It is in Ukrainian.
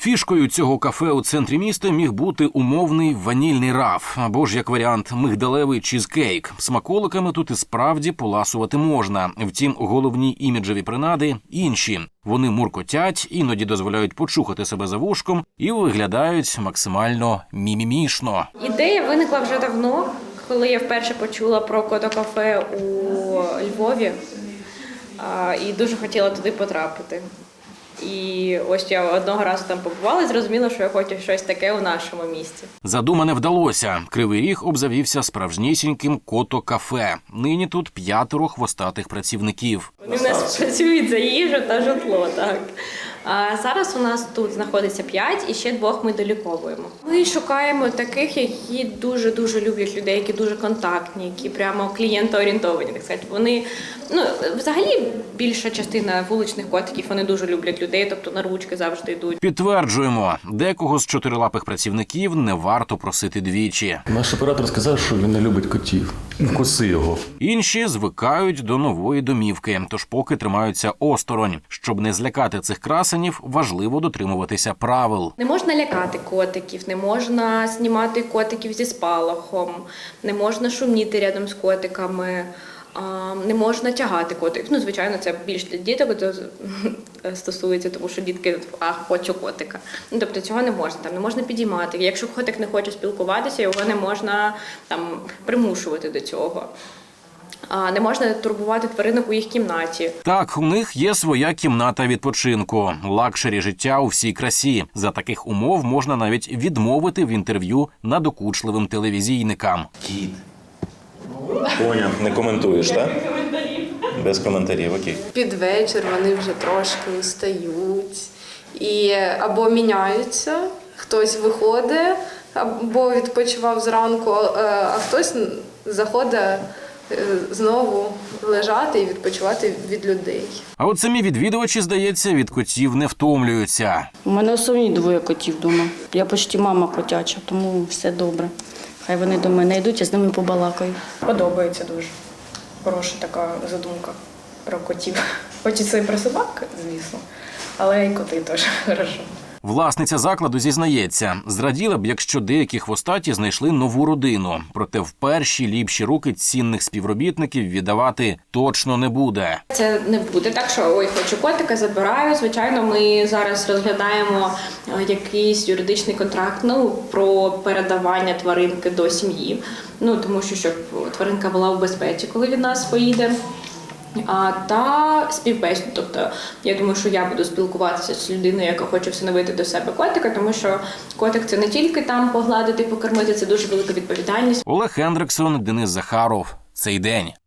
Фішкою цього кафе у центрі міста міг бути умовний ванільний раф, або ж, як варіант, мигдалевий чізкейк. Смаколиками тут і справді поласувати можна. Втім, головні іміджеві принади інші. Вони муркотять, іноді дозволяють почухати себе за вушком і виглядають максимально мімімішно. Ідея виникла вже давно, коли я вперше почула про Кото-кафе у Львові і дуже хотіла туди потрапити. І ось я одного разу там побувала і зрозуміла, що я хочу щось таке у нашому місті. Задумане вдалося. Кривий Ріг обзавівся справжнісіньким Кото-кафе. Нині тут 5 хвостатих працівників. Вони в нас працюють за їжу та житло, так. А зараз у нас тут знаходиться 5 і ще 2 ми доліковуємо. Ми шукаємо таких, які дуже-дуже люблять людей, які дуже контактні, які прямо клієнтоорієнтовані, так сказати. Вони, взагалі більша частина вуличних котиків, вони дуже люблять людей, тобто на ручки завжди йдуть. Підтверджуємо, декого з чотирилапих працівників не варто просити двічі. Наш оператор сказав, що він не любить котів. Вкуси його. Інші звикають до нової домівки, тож поки тримаються осторонь. Щоб не злякати цих красенів, важливо дотримуватися правил. Не можна лякати котиків, не можна знімати котиків зі спалахом, не можна шуміти рядом з котиками, не можна тягати котиків. Звичайно, це більш для діток стосується, тому що дітки хочу котика. Тобто цього не можна, не можна підіймати. Якщо котик не хоче спілкуватися, його не можна примушувати до цього. Не можна турбувати тваринок у їх кімнаті. Так, у них є своя кімната відпочинку. Лакшері життя у всій красі. За таких умов можна навіть відмовити в інтерв'ю надокучливим телевізійникам. Кіт. Поняв, не коментуєш, так? Без коментарів, окей. Під вечір вони вже трошки устають і або міняються, хтось виходить, або відпочивав зранку, а хтось заходить знову лежати і відпочивати від людей. А от самі відвідувачі, здається, від котів не втомлюються. У мене основні 2 котів вдома. Я почти мама котяча, тому все добре. Хай вони до мене йдуть, я з ними побалакаю. Подобається дуже. Хороша така задумка про котів. Хочеться і про собак, звісно, але і коти теж хорошо. Власниця закладу зізнається, зраділа б, якщо деякі хвостаті знайшли нову родину. Проте в перші ліпші руки цінних співробітників віддавати точно не буде. Це не буде так, що ой, хочу котика, забираю. Звичайно, ми зараз розглядаємо якийсь юридичний контракт про передавання тваринки до сім'ї. Тому що щоб тваринка була в безпеці, коли від нас поїде. Та співбесіду. Тобто, я думаю, що я буду спілкуватися з людиною, яка хоче всиновити до себе котика, тому що котик – це не тільки там погладити, покормити, це дуже велика відповідальність. Олег Хендриксон, Денис Захаров. Цей день.